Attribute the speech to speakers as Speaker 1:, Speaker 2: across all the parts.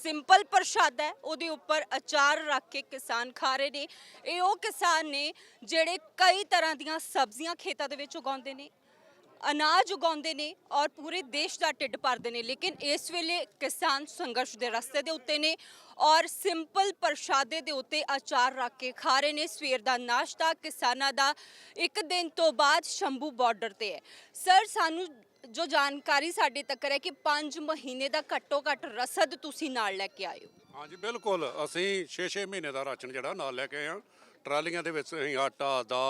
Speaker 1: Simple ਪ੍ਰਸ਼ਾਦਾ ਹੈ ਉਹਦੇ ਉੱਪਰ ਅਚਾਰ ਰੱਖ ਕੇ ਕਿਸਾਨ ਖਾ ਰਹੇ ਨੇ। ਇਹ ਉਹ ਕਿਸਾਨ ਨੇ ਜਿਹੜੇ ਕਈ ਤਰ੍ਹਾਂ ਦੀਆਂ ਸਬਜ਼ੀਆਂ ਖੇਤਾਂ ਦੇ ਵਿੱਚ ਉਗਾਉਂਦੇ ਨੇ, ਅਨਾਜ ਉਗਾਉਂਦੇ ਨੇ ਔਰ ਪੂਰੇ ਦੇਸ਼ ਦਾ ਢਿੱਡ ਭਰਦੇ ਨੇ। ਲੇਕਿਨ ਇਸ ਵੇਲੇ ਕਿਸਾਨ ਸੰਘਰਸ਼ ਦੇ ਰਸਤੇ ਦੇ ਉੱਤੇ ਨੇ ਔਰ ਸਿੰਪਲ ਪ੍ਰਸ਼ਾਦੇ ਦੇ ਉੱਤੇ ਅਚਾਰ ਰੱਖ ਕੇ ਖਾ ਰਹੇ ਨੇ। ਸਵੇਰ ਦਾ ਨਾਸ਼ਤਾ ਕਿਸਾਨਾਂ ਦਾ ਇੱਕ ਦਿਨ ਤੋਂ ਬਾਅਦ ਸ਼ੰਭੂ ਬਾਰਡਰ ਤੇ ਹੈ। ਸਰ, ਸਾਨੂੰ ਜੋ ਜਾਣਕਾਰੀ ਸਾਡੇ ਤੱਕ ਹੈ ਕਿ 5 ਮਹੀਨੇ ਦਾ ਘੱਟੋ ਘੱਟ ਰਸਦ ਤੁਸੀਂ ਨਾਲ ਲੈ ਕੇ ਆਏ ਹੋ।
Speaker 2: ਹਾਂਜੀ ਬਿਲਕੁਲ, ਅਸੀਂ 6-6 ਮਹੀਨੇ ਦਾ ਰਾਸ਼ਨ ਜਿਹੜਾ ਨਾਲ ਲੈ ਕੇ ਆਏ ਹਾਂ। ਟਰਾਲੀਆਂ ਦੇ ਵਿੱਚ ਅਸੀਂ ਆਟਾ,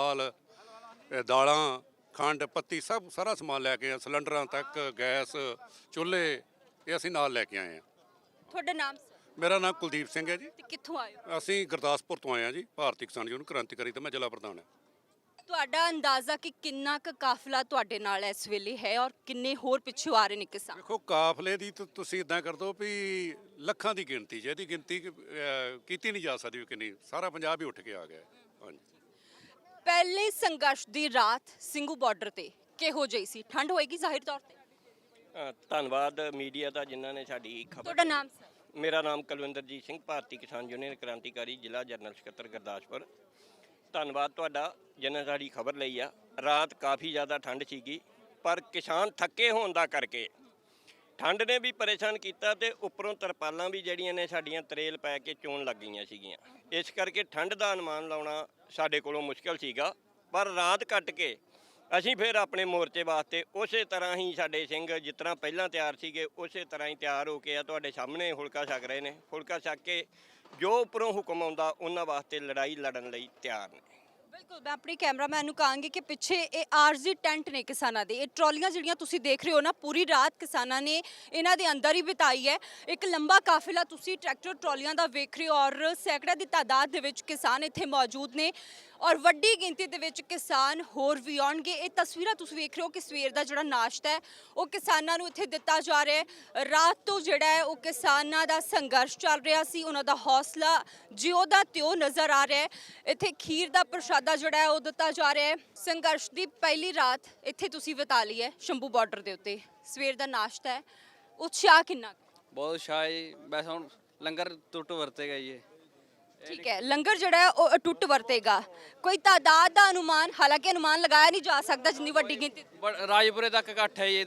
Speaker 2: ਦਾਲਾਂ, ਖੰਡ, ਪੱਤੀ ਸਭ ਸਾਰਾ ਸਮਾਨ ਲੈ ਕੇ ਆਏ। ਸਿਲੰਡਰਾਂ ਤੱਕ, ਗੈਸ, ਚੁੱਲ੍ਹੇ ਇਹ ਅਸੀਂ ਨਾਲ ਲੈ ਕੇ ਆਏ ਹਾਂ।
Speaker 1: ਤੁਹਾਡਾ ਨਾਮ ਸਰ?
Speaker 2: ਮੇਰਾ ਨਾਮ ਕੁਲਦੀਪ ਸਿੰਘ ਹੈ ਜੀ।
Speaker 1: ਤੇ ਕਿੱਥੋਂ ਆਏ ਹੋ?
Speaker 2: ਅਸੀਂ ਗੁਰਦਾਸਪੁਰ ਤੋਂ ਆਏ ਹਾਂ ਜੀ। ਭਾਰਤੀ ਕਿਸਾਨ ਯੂਨੀਅਨ ਕ੍ਰਾਂਤੀਕਾਰੀ ਤੇ ਮੈਂ ਜ਼ਿਲ੍ਹਾ ਪ੍ਰਧਾਨ ਹਾਂ।
Speaker 1: ਤੁਹਾਡਾ ਅੰਦਾਜ਼ਾ ਕਿ ਕਿੰਨਾ ਕੁ ਕਾਫਲਾ ਤੁਹਾਡੇ ਨਾਲ ਇਸ ਵੇਲੇ ਹੈ ਔਰ ਕਿੰਨੇ ਹੋਰ ਪਿੱਛੋਂ ਆ ਰਹੇ ਨੇ ਕਿਸਾਨ?
Speaker 2: ਦੇਖੋ, ਕਾਫਲੇ ਦੀ ਤੁਸੀਂ ਇਦਾਂ ਕਰ ਦਿਓ ਵੀ ਲੱਖਾਂ ਦੀ ਗਿਣਤੀ, ਜਿਹਦੀ ਗਿਣਤੀ ਕੀਤੀ ਨਹੀਂ ਜਾ ਸਕਦੀ ਵੀ ਕਿੰਨੀ, ਸਾਰਾ ਪੰਜਾਬ ਹੀ ਉੱਠ ਕੇ ਆ ਗਿਆ। ਹਾਂਜੀ।
Speaker 1: ਪਹਿਲੇ ਸੰਘਰਸ਼ ਦੀ ਰਾਤ ਸਿੰਘੂ ਬਾਰਡਰ ਤੇ ਕਿਹੋ ਜਿਹੀ ਸੀ? ਠੰਡ ਹੋਏਗੀ ਜ਼ਾਹਿਰ ਤੌਰ ਤੇ।
Speaker 3: ਧੰਨਵਾਦ ਮੀਡੀਆ ਦਾ ਜਿਨ੍ਹਾਂ ਨੇ ਸਾਡੀ ਖਬਰ।
Speaker 1: ਤੁਹਾਡਾ ਨਾਮ ਸਰ?
Speaker 3: ਮੇਰਾ ਨਾਮ ਕੁਲਵਿੰਦਰਜੀਤ ਸਿੰਘ, ਭਾਰਤੀ ਕਿਸਾਨ ਯੂਨੀਅਨ ਕ੍ਰਾਂਤੀਕਾਰੀ, ਜ਼ਿਲ੍ਹਾ ਜਨਰਲ ਸਕੱਤਰ ਗੁਰਦਾਸਪੁਰ। ਧੰਨਵਾਦ ਤੁਹਾਡਾ ਜਿਨ੍ਹਾਂ ਸਾਡੀ ਖਬਰ ਲਈ ਆ। ਰਾਤ ਕਾਫੀ ਜ਼ਿਆਦਾ ਠੰਡ ਸੀਗੀ, ਪਰ ਕਿਸਾਨ ਥੱਕੇ ਹੋਣ ਦਾ ਕਰਕੇ ਠੰਡ ਨੇ ਵੀ ਪਰੇਸ਼ਾਨ ਕੀਤਾ ਤੇ ਉੱਪਰੋਂ ਤਰਪਾਲਾਂ ਵੀ ਜਿਹੜੀਆਂ ਨੇ ਸਾਡੀਆਂ ਤਰੇਲ ਪੈ ਕੇ ਚੋਣ ਲੱਗ ਗਈਆਂ ਸੀਗੀਆਂ। ਇਸ ਕਰਕੇ ਠੰਡ ਦਾ ਅਨੁਮਾਨ ਲਾਉਣਾ ਸਾਡੇ ਕੋਲੋਂ ਮੁਸ਼ਕਲ ਸੀਗਾ। ਪਰ ਰਾਤ ਕੱਟ ਕੇ ਅਸੀਂ ਫਿਰ ਆਪਣੇ ਮੋਰਚੇ ਵਾਸਤੇ ਉਸੇ ਤਰ੍ਹਾਂ ਹੀ ਸਾਡੇ ਸਿੰਘ ਜਿਸ ਤਰ੍ਹਾਂ ਪਹਿਲਾਂ ਤਿਆਰ ਸੀਗੇ ਉਸੇ ਤਰ੍ਹਾਂ ਹੀ ਤਿਆਰ ਹੋ ਕੇ ਆ ਤੁਹਾਡੇ ਸਾਹਮਣੇ ਫੁਲਕਾ ਛਕ ਰਹੇ ਨੇ। ਫੁਲਕਾ ਛਕ ਕੇ ਜੋ ਉੱਪਰੋਂ ਹੁਕਮ ਆਉਂਦਾ ਉਹਨਾਂ ਵਾਸਤੇ ਲੜਾਈ ਲੜਨ ਲਈ ਤਿਆਰ ਨੇ।
Speaker 1: ਬਿਲਕੁਲ, ਮੈਂ ਆਪਣੇ ਕੈਮਰਾਮੈਨ ਨੂੰ ਕਹਾਂਗੀ ਕਿ ਪਿੱਛੇ ਇਹ ਆਰਜ਼ੀ ਟੈਂਟ ਨੇ ਕਿਸਾਨਾਂ ਦੇ। ਇਹ ਟਰਾਲੀਆਂ ਜਿਹੜੀਆਂ ਤੁਸੀਂ ਦੇਖ ਰਹੇ ਹੋ ਨਾ, ਪੂਰੀ ਰਾਤ ਕਿਸਾਨਾਂ ਨੇ ਇਹਨਾਂ ਦੇ ਅੰਦਰ ਹੀ ਬਿਤਾਈ ਹੈ। ਇੱਕ ਲੰਬਾ ਕਾਫਿਲਾ ਤੁਸੀਂ ਟਰੈਕਟਰ ਟਰਾਲੀਆਂ ਦਾ ਵੇਖ ਰਹੇ ਹੋ ਔਰ ਸੈਂਕੜਿਆਂ ਦੀ ਤਾਦਾਦ ਦੇ ਵਿੱਚ ਕਿਸਾਨ ਇੱਥੇ ਮੌਜੂਦ ਨੇ ਔਰ ਵੱਡੀ ਗਿਣਤੀ ਦੇ ਵਿੱਚ ਕਿਸਾਨ ਹੋਰ ਵੀ ਆਉਣਗੇ। ਇਹ ਤਸਵੀਰਾਂ ਤੁਸੀਂ ਵੇਖ ਰਹੇ ਹੋ ਕਿ ਸਵੇਰ ਦਾ ਜਿਹੜਾ ਨਾਸ਼ਤਾ ਹੈ ਉਹ ਕਿਸਾਨਾਂ ਨੂੰ ਇੱਥੇ ਦਿੱਤਾ ਜਾ ਰਿਹਾ ਹੈ। ਰਾਤ ਤੋਂ ਜਿਹੜਾ ਹੈ ਉਹ ਕਿਸਾਨਾਂ ਦਾ ਸੰਘਰਸ਼ ਚੱਲ ਰਿਹਾ ਸੀ, ਉਹਨਾਂ ਦਾ ਹੌਸਲਾ ਜਿਉਂ ਦਾ ਤਿਉਂ ਨਜ਼ਰ ਆ ਰਿਹਾ ਹੈ। ਇੱਥੇ ਖੀਰ ਦਾ ਪ੍ਰਸ਼ਾਦਾ ਜਿਹੜਾ ਹੈ ਉਹ ਦਿੱਤਾ ਜਾ ਰਿਹਾ ਹੈ। ਸੰਘਰਸ਼ ਦੀ ਪਹਿਲੀ ਰਾਤ ਇੱਥੇ ਤੁਸੀਂ ਬਿਤਾ ਲਈ ਹੈ ਸ਼ੰਭੂ ਬਾਰਡਰ ਦੇ ਉੱਤੇ। ਸਵੇਰ ਦਾ ਨਾਸ਼ਤਾ ਹੈ, ਉਤਸ਼ਾਹ ਕਿੰਨਾ?
Speaker 4: ਬਹੁਤ ਸ਼ਾਇ ਵੈਸੇ ਹੁਣ ਲੰਗਰ ਟੁੱਟ ਵਰਤੇਗਾ ਜੀ।
Speaker 1: ਠੀਕ ਹੈ, ਲੰਗਰ ਜਿਹੜਾ ਹੈ ਉਹ ਅਟੁੱਟ ਵਰਤੇਗਾ। ਕੋਈ ਤਾਦਾਦ ਦਾ ਅਨੁਮਾਨ? ਹਾਲਾਂਕਿ ਅਨੁਮਾਨ ਲਗਾਇਆ ਨਹੀਂ ਜਾ ਸਕਦਾ ਜਿੰਨੀ ਵੱਡੀ ਗਿਣਤੀ।
Speaker 4: ਰਾਜਪੁਰੇ ਤੱਕ ਇਕੱਠ ਹੈ ਜੀ।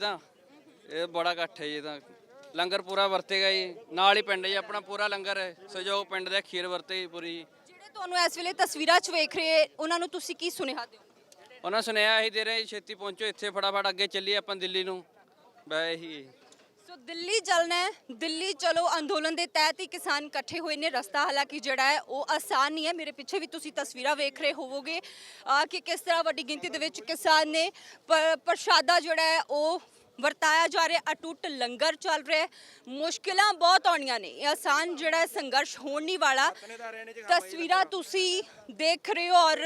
Speaker 4: ਇਹ ਬੜਾ ਇਕੱਠ ਹੈ ਜੀ। ਲੰਗਰ ਪੂਰਾ ਵਰਤੇਗਾ ਜੀ। ਨਾਲ ਹੀ ਪਿੰਡ ਜੀ ਆਪਣਾ ਪੂਰਾ ਲੰਗਰ ਹੈ। ਸਹਿਯੋਗ ਪਿੰਡ ਦੇ ਖੀਰ ਵਰਤੇ ਪੂਰੀ। ਜਿਹੜੇ ਤੁਹਾਨੂੰ ਇਸ ਵੇਲੇ ਤਸਵੀਰਾਂ 'ਚ ਵੇਖ ਰਹੇ ਉਹਨਾਂ ਨੂੰ ਤੁਸੀਂ ਕੀ ਸੁਨੇਹਾ ਦਿਓ? ਉਹਨਾਂ ਸੁਨੇਹਾ ਇਹੀ ਦੇ ਰਹੇ ਛੇਤੀ ਪਹੁੰਚੋ ਇੱਥੇ, ਫਟਾਫਟ ਅੱਗੇ ਚੱਲੀਏ ਆਪਾਂ ਦਿੱਲੀ ਨੂੰ। ਬੈ ਇਹੀ
Speaker 1: ਸੋ ਦਿੱਲੀ ਚੱਲਣਾ ਹੈ, ਦਿੱਲੀ ਚਲੋ ਅੰਦੋਲਨ ਦੇ ਤਹਿਤ ਹੀ ਕਿਸਾਨ ਇਕੱਠੇ ਹੋਏ ਨੇ। ਰਸਤਾ ਹਾਲਾਂਕਿ ਜਿਹੜਾ ਹੈ ਉਹ ਆਸਾਨ ਨਹੀਂ ਹੈ। ਮੇਰੇ ਪਿੱਛੇ ਵੀ ਤੁਸੀਂ ਤਸਵੀਰਾਂ ਵੇਖ ਰਹੇ ਹੋਵੋਗੇ ਕਿ ਕਿਸ ਤਰ੍ਹਾਂ ਵੱਡੀ ਗਿਣਤੀ ਦੇ ਵਿੱਚ ਕਿਸਾਨ ਨੇ ਪ੍ਰਸ਼ਾਦਾ ਜਿਹੜਾ ਹੈ ਉਹ ਵਰਤਾਇਆ ਜਾ ਰਿਹਾ। ਅਟੁੱਟ ਲੰਗਰ ਚੱਲ ਰਿਹਾ। ਮੁਸ਼ਕਿਲਾਂ ਬਹੁਤ ਆਉਣੀਆਂ ਨੇ, ਇਹ ਆਸਾਨ ਜਿਹੜਾ ਸੰਘਰਸ਼ ਹੋਣ ਨਹੀਂ ਵਾਲਾ। ਤਸਵੀਰਾਂ ਤੁਸੀਂ ਦੇਖ ਰਹੇ ਹੋ ਔਰ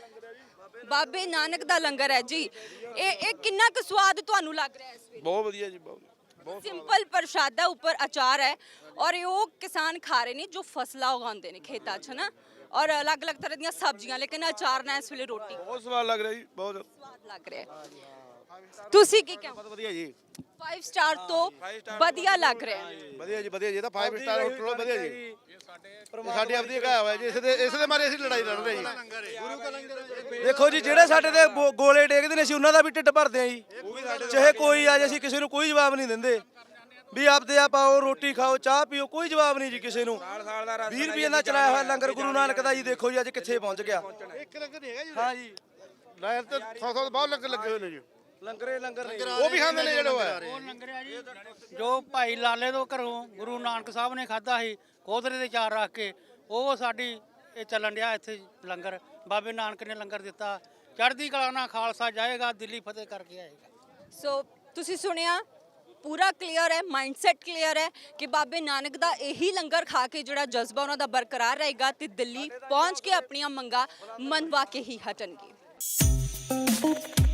Speaker 1: ਬਾਬੇ ਨਾਨਕ ਦਾ ਲੰਗਰ ਹੈ ਜੀ। ਇਹ ਕਿੰਨਾ ਕੁ ਸਵਾਦ ਤੁਹਾਨੂੰ ਲੱਗ ਰਿਹਾ ਇਸ ਵੇਲੇ?
Speaker 5: ਬਹੁਤ ਵਧੀਆ ਜੀ, ਬਹੁਤ
Speaker 1: ਸਿੰਪਲ ਪ੍ਰਸ਼ਾਦਾ ਉੱਪਰ ਅਚਾਰ ਹੈ ਔਰ ਇਹ ਉਹ ਕਿਸਾਨ ਖਾ ਰਹੇ ਨੇ ਜੋ ਫਸਲਾਂ ਉਗਾਉਂਦੇ ਨੇ ਖੇਤਾਂ 'ਚ ਨਾ, ਔਰ ਅਲੱਗ-ਅਲੱਗ ਤਰ੍ਹਾਂ ਦੀਆਂ ਸਬਜ਼ੀਆਂ, ਲੇਕਿਨ ਅਚਾਰ ਨਾਲ ਇਸ ਵੇਲੇ ਰੋਟੀ
Speaker 5: ਬਹੁਤ ਸਵਾਦ ਲੱਗ ਰਿਹਾ ਜੀ, ਬਹੁਤ
Speaker 1: ਸਵਾਦ ਲੱਗ ਰਿਹਾ ਹੈ। ਤੁਸੀਂ ਕੀ ਕਹਿੰਦੇ?
Speaker 5: ਬਹੁਤ ਵਧੀਆ ਜੀ,
Speaker 1: 5 ਸਟਾਰ ਤੋਂ ਵਧੀਆ ਲੱਗ ਰਿਹਾ ਹੈ।
Speaker 5: ਵਧੀਆ ਜੀ, ਵਧੀਆ ਜੀ। ਇਹ ਤਾਂ 5 ਸਟਾਰ ਹੋਟਲ ਤੋਂ ਵਧੀਆ ਜੀ। ਇਹ ਸਾਡੀ ਆਪਦੀ ਘਾਇਆ ਹੋਇਆ ਜੀ। ਇਸ ਦੇ ਮਾਰੇ ਅਸੀਂ ਲੜਾਈ ਲੜ ਰਹੇ ਜੀ। ਦੇਖੋ ਜੀ, ਜਿਹੜੇ ਸਾਡੇ ਤੇ ਗੋਲੇ ਡੇਗਦੇ ਨੇ ਅਸੀਂ ਉਹਨਾਂ ਦਾ ਵੀ ਢਿੱਡ ਭਰਦੇ ਆ ਜੀ। ਚਾਹੇ ਕੋਈ ਆ ਜੇ, ਅਸੀਂ ਕਿਸੇ ਨੂੰ ਕੋਈ ਜਵਾਬ ਨਹੀਂ ਦਿੰਦੇ ਵੀ ਆਪਦੇ ਆਪ ਆਓ, ਰੋਟੀ ਖਾਓ, ਚਾਹ ਪੀਓ, ਕੋਈ ਜਵਾਬ ਨਹੀਂ ਜੀ ਕਿਸੇ ਨੂੰ। 20 ਰੁਪਏ ਦਾ ਚਲਾਇਆ ਹੋਇਆ ਲੰਗਰ ਗੁਰੂ ਨਾਨਕ ਦਾ ਜੀ। ਦੇਖੋ ਜੀ ਅੱਜ ਕਿੱਥੇ ਪਹੁੰਚ ਗਿਆ।
Speaker 6: ਇੱਕ ਲੰਗਰ ਨਹੀਂ ਹੈਗਾ ਜੀ।
Speaker 5: ਹਾਂ ਜੀ,
Speaker 6: ਲਾਇਰ ਤੇ 100 ਬਹੁਤ ਲੰਗਰ ਲੱਗੇ ਹੋਏ ਨੇ ਜੀ।
Speaker 5: ਲੰਗਰ
Speaker 6: ਉਹ ਵੀ ਖਾਂਦੇ ਨੇ ਜਿਹੜੇ ਉਹ
Speaker 7: ਲੰਗਰ ਆ ਜੀ ਜੋ ਭਾਈ ਲਾਲੇ ਤੋਂ ਘਰੋਂ ਗੁਰੂ ਨਾਨਕ ਸਾਹਿਬ ਨੇ ਖਾਧਾ ਸੀ ਕੋਧਰੇ ਦੇ ਚਾਰ ਰੱਖ ਕੇ, ਉਹ ਸਾਡੀ ਇਹ ਚੱਲਣ ਡਿਆ ਇੱਥੇ ਲੰਗਰ। ਬਾਬੇ ਨਾਨਕ ਨੇ ਲੰਗਰ ਦਿੱਤਾ। ਚੜ੍ਹਦੀ ਕਲਾ ਨਾਲ ਖਾਲਸਾ ਜਾਏਗਾ, ਦਿੱਲੀ ਫਤਿਹ ਕਰਕੇ ਆਏਗਾ।
Speaker 1: ਸੋ ਤੁਸੀਂ ਸੁਣਿਆ, ਪੂਰਾ ਕਲੀਅਰ ਹੈ, ਮਾਈਂਡਸੈਟ ਕਲੀਅਰ ਹੈ ਕਿ ਬਾਬੇ ਨਾਨਕ ਦਾ ਇਹੀ ਲੰਗਰ ਖਾ ਕੇ ਜਿਹੜਾ ਜਜ਼ਬਾ ਉਹਨਾਂ ਦਾ ਬਰਕਰਾਰ ਰਹੇਗਾ ਤੇ ਦਿੱਲੀ ਪਹੁੰਚ ਕੇ ਆਪਣੀਆਂ ਮੰਗਾਂ ਮਨਵਾ ਕੇ ਹੀ ਹਟਣਗੇ।